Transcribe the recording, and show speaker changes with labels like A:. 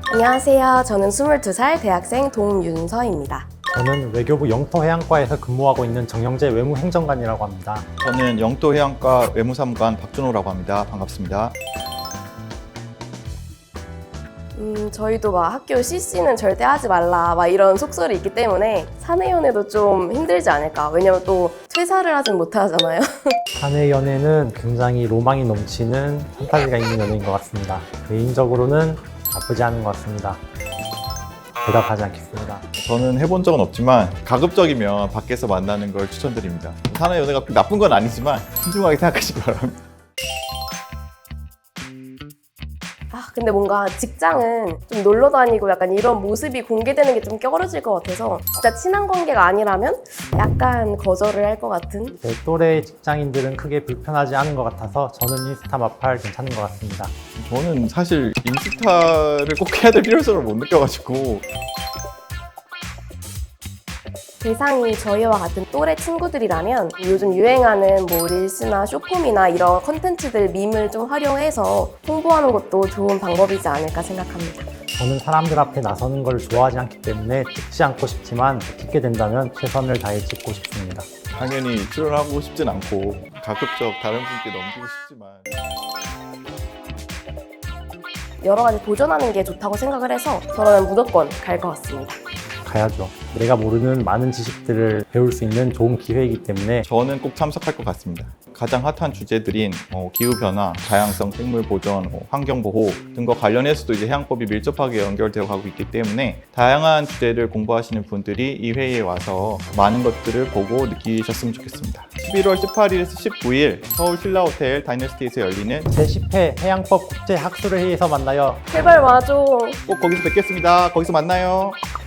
A: 안녕하세요. 저는 22살 대학생 동윤서입니다.
B: 저는 외교부 영토해양과에서 근무하고 있는 정영재 외무행정관이라고 합니다.
C: 저는 영토해양과 외무사무관 박준호라고 합니다. 반갑습니다.
A: 저희도 막 학교 CC는 절대 하지 말라 막 이런 속설이 있기 때문에 사내연애도 좀 힘들지 않을까. 왜냐면 또 퇴사를 하진 못하잖아요.
B: 사내 연애는 굉장히 로망이 넘치는 판타지가 있는 연애인 것 같습니다. 개인적으로는 나쁘지 않은 것 같습니다. 대답하지 않겠습니다.
C: 저는 해본 적은 없지만 가급적이면 밖에서 만나는 걸 추천드립니다. 사내 연애가 나쁜 건 아니지만 신중하게 생각하시기 바랍니다.
A: 근데 뭔가 직장은 좀 놀러 다니고 약간 이런 모습이 공개되는 게 좀 껴러질 것 같아서 진짜 친한 관계가 아니라면 약간 거절을 할 것 같은.
B: 제 또래 직장인들은 크게 불편하지 않은 것 같아서 저는 인스타 마팔 괜찮은 것 같습니다.
C: 저는 사실 인스타를 꼭 해야 될 필요성을 못 느껴가지고
A: 대상이 저희와 같은 또래 친구들이라면 요즘 유행하는 뭐 릴스나 쇼폼이나 이런 컨텐츠들 밈을 좀 활용해서 홍보하는 것도 좋은 방법이지 않을까 생각합니다.
B: 저는 사람들 앞에 나서는 걸 좋아하지 않기 때문에 찍지 않고 싶지만 찍게 된다면 최선을 다해 찍고 싶습니다.
C: 당연히 출연하고 싶진 않고 가급적 다른 분께 넘기고 싶지만
A: 여러 가지 도전하는 게 좋다고 생각을 해서 저는 무조건 갈 것 같습니다.
B: 가야죠. 내가 모르는 많은 지식들을 배울 수 있는 좋은 기회이기 때문에
C: 저는 꼭 참석할 것 같습니다. 가장 핫한 주제들인 기후변화, 다양성 생물 보존, 환경보호 등과 관련해서도 이제 해양법이 밀접하게 연결되어 가고 있기 때문에 다양한 주제를 공부하시는 분들이 이 회의에 와서 많은 것들을 보고 느끼셨으면 좋겠습니다. 11월 18일에서 19일 서울 신라호텔 다이너스티에서 열리는
B: 제10회 해양법 국제학술회의에서 만나요.
A: 제발 와줘.
C: 꼭 거기서 뵙겠습니다. 거기서 만나요.